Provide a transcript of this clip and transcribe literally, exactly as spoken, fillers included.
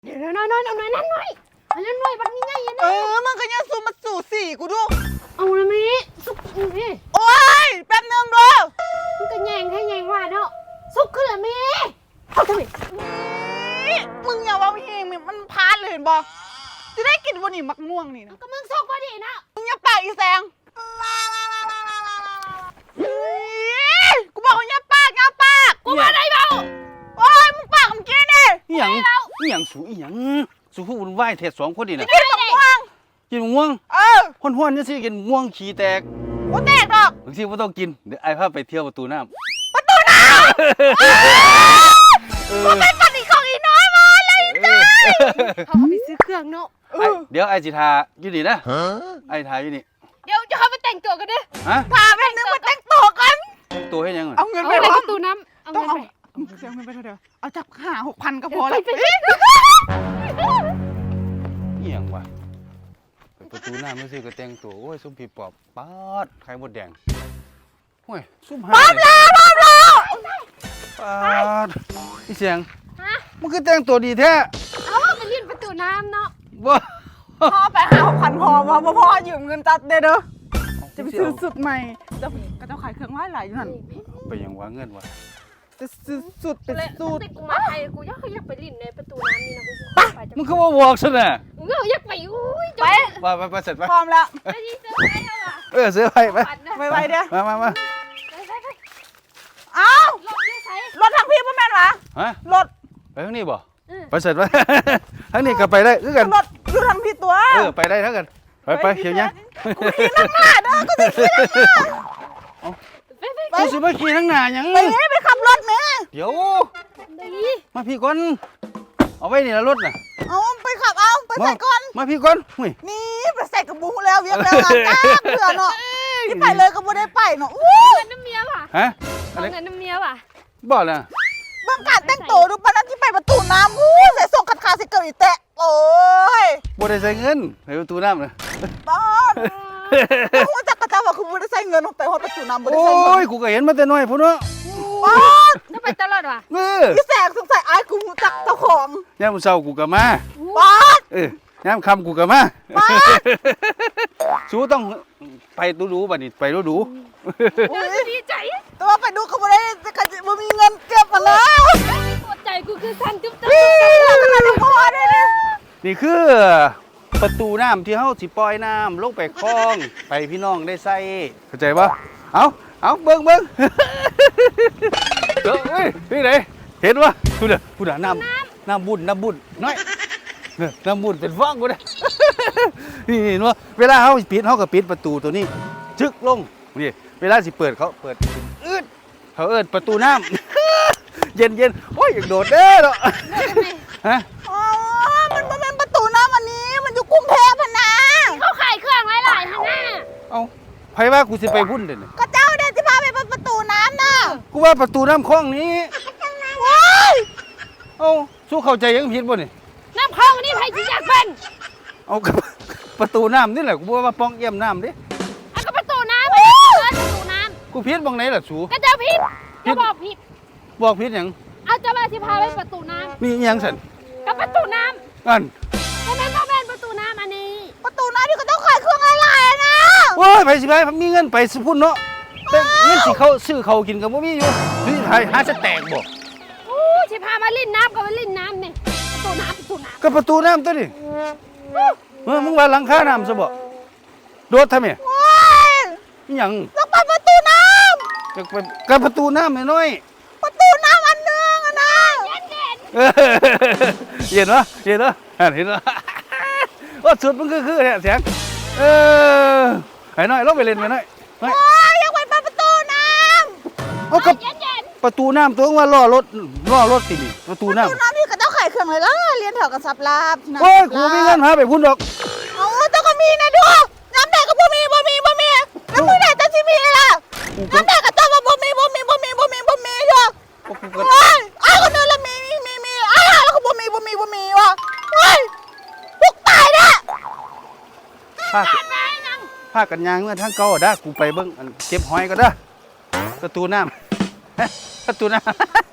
เดี๋ยวน้อยน้อยน้อยนั่นน้อยอันนั้นน้อยบัดนี้ไงอันเอนั้นอมันก็ยังสู้มาสู่สี่กูดูเอาละมีสุกนี่โอ้ยแป๊บนึงดูมันก็แยงให้แยงว่าเนาะสุกขึ้นละมีเอาทำไมนี่มึงอย่าว่าเฮงมันพลาดเลยเห็นบ่จะได้กินวันนี้มักม่วงนี่นะก็มึงสุกพอดีนะมึงอย่าปากอีแซงกูบอกว่าอย่าปากอย่าปากกูมาได้เปล่าโอ้ยมึงปากมึงกินดิอีหยังอีหยังสูอีหยังสูผู้วุ่นวายเทศสองคนนี่น่ะกินมักม่วงกินมะม่วงเออห้วนๆจังซี่กินมะม่วงขี้แตกกูแตกดอกบางทีบ่ต้องกินเดี๋ยวไอ้พาไปเที่ยวประตูน้ำประตูน้ำเอกูอเป็นปฏิของอีน้อยมาเลยเออเขาไปซื้อเครื่องเนาะเอไอ้อเดี๋ยวไอ้สิทาอยู่นี่นะไอ้ทาอยู่นี่เดี๋ยวจะเข้าไปแต่งตัวกันดิฮะพาแป๊บนึงมาแต่งตัวกันตัวให้ยังอะเอาเงินเอาไปไปวะประตูน้ำเอาต้องเงินเอาไปเอาเงินไปเถอะเอาจับห้าหกพันก็พอแล้วไปไปอีหยังวะไปประตูน้ำไม่ซื้อก็แต่งตัวโอ้ยซุ่มผีปอบป๊าดไข่มดแดงโอ้ยซุ่มหาพร้อมแล้วพร้อมแล้วป๊าดอีเสียงฮะมันคือแต่งตัวดีแท้เอาไปยื่นประตูน้ำเนาะบ่พ่อไปหาหกพันพอพอพอพ่อยืมเงินจัดเด้อเด้อจะไปซื้อสุดใหม่จะก็จะขายเครื่องไหว้หลายอยู่นั่นไปยังวางเงินวะจะซื้อสุดเป็นเลยสูตรติกูมาไทยกูอยากอยากไปลิ้นในประตูน้ำนี่นะกูไปจะมันคือว่าบอกซะน่ะกูอยากไปอุ้ยไปไปไปไปเสร็จไปพร้อมแล้วไปที่เซอร์ไพรส์เอาอ่ะเออซื้อไปไปปัดนะไวๆเด้อมามามาไปไปไปเอ้ารถยืดใส่รถทางพี่พ่อแม่นวะฮะรถไปทางนี้บ่อืมไปเสร็จไป ทางนี้ก็ไปได้คือกันรถอยู่ทางพี่ตัวเออไปได้ทั้งกันไปไปเขียวยังกูขี่นั่งหน้าเด้อกูจะขี่นั่งหน้าไปไปกูสิมาขี่ทั้งหน้าหยังไปนี่ไปขับรถแม่เดี๋ยวดีมาพี่ก่อนเอาไว้นี่ละรถน่ะเอาไปขับเอาไปใส่ก่อนมาพี่ก่อนหุ้ยนี่ไปใส่กระบุงแล้วเวียงแล้วอ่ะจ้าเผื่อเนาะที่ไปเลยก็บ่ได้ไปเนาะอู้เงินน้ำเมียว่ะฮะเอาเงินน้ำเมียว่ะบ่ล่ะเบิ่งการแต่งตัวดูปานนั้นที่ไปประตูน้ำอู้ใส่ส่งขัดขาใส่เกลืออีแตะโอ้ยบ่ได้ใส่เงินไปประตูน้ำน่ะบ้านกูจักกระเจ้าว่าคือบ่ได้ใส่เงินไปฮอดประตูน้ำบ่ได้โอ้ใส่เงินยกูก็เห็นมาแต่น้อยพุ่นเนาะบ้านต้องไปตลอดว่ะเออพี่แสงสงสัยอายกูรู้จักเจ้าของยามมื้อเช้ากูก็มาบ้านเออยามค่ำกูก็มาบ้านสูต้องไปดูๆบัดนี้ไปดูอุ้ยดีใจแต่ว่าไปดูเขาบ่ได้เขาจะบ่มีเงินเก็บมาแล้วปวดใจกูคือสั่นจุ๊บจับขนาดนี้พอได้เลยๆนี่คือประตูน้ำที่เฮาสิปล่อยน้ำลงไปคลองไปพี่น้องได้ใส่เข้าใจบ่เอาเอาเบิ่งเบิ่ง เด้อเอ้ยนี่ไหนเห็นบ่พูดน่ะพูดน่ะน้ำน้ำบุญน้ำบุญน้อยเนี่ยน้ำบุญเป็นฟองกูเด้ นี่เห็นบ่เวลาเฮาปิดเฮาก็ปิดประตูตัวนี้จึกลงนี่เวลาสิเปิดเขาเปิดอืดเขาเอิ้นประตูน้ำ เย็นๆโอ้ยอยากโดดเด้อเนาะ ฮะอ๋อมันบ่แม่นประตูน้ำอันนี้มันอยู่กรุงเทพพะนะเขาขายเครื่องหลายๆฮะน่ะเอ้าไผว่ากูสิไปพุ่นเด้อนี่ก็เจ้าเดินสิพาไปประตูน้ำน่ะกูว่าประตูน้ำคลองนี้ว้ายเอ้าสู้เข้าใจยังผิดบ่นี่น้ำคลองนี่ใครที่อยากเป็นเอากับ ประตูน้ำนี่แหละกูบอกว่าป้องเอี่ยมน้ำดิเอาก็ประตูน้ำไปเลยประตูน้กูผิดบ้องไหนล่ะสูำก็เจ้าผิดจะบอกผิดบอกผิดหยังเอาเจ้ามาที่พาไปประตูน้นี่อิหยังสันำก็ประตูน้อันำก็แม่นพ่อแม่นประตูน้ำอันนี้ประตูน้ำที่เขาต้องขายเครื่องอะไรอะนะโอ้ยไปสิไปมีเงินไปสิพุ่นเนาะแต่เงินสิเขาซื้อเขากินกับบ่มีอยู่ซื้อหาหาสแต็กบ่อู้ที่พามาลิ่นน้ำก็มาลิ่นน้ำนี่ประตูน้ำประตูน้ก็ประตูน้ำตัวนี่เออมึงว่าหลังคาน้ำซะบ่โดดทำไมว้ายอิหยังต้องไปประตูน้ก็ไปกับประตูน้ำน้อยำประตูน้ำอันหนึงอะนะำเย็นเย็นๆเออเห็นวะเห็นวะอ่านเห็นวะ ว่าสุดมันคือคือเนี่ยเสียงเออไอ้น้อยลงไปเล่นไปหน่อยน้อยว้ายอยากไปประตูน้เอากับเย็นเย็นประตูน้ำตัวว่าล่อรถล่อรถตินี่ประตูำประน้ตูน้ำที่เขาต้องขายเครื่องเลยล่ะเรียนแถวกับซับลาบนะำโอ้ยกูมีเงินหาไปพุ่นดอกเอาแต่ก็มีนะดูน้ำแดงก็บ่มีบ่มีบ่มีแล้วมือไหนจะสิมีล่ะกูก็น้ำแดงก็ต้องว่าบ่มีบ่มีบ่มีบ่มีบ่มีอยู่กูก็เฮ้ยอ้าวคนนึงละมีมีมีมีอ้าวแล้วก็บ่มีบ่มีบ่มีว่ะเฮ้ยพวกตายเนี่ยพากันพากันยางเมื่อทางเก่าด้ากูไปเบิ่งอันเก็บหอยก็ได้อประตูน้ำ ประตูน้ำ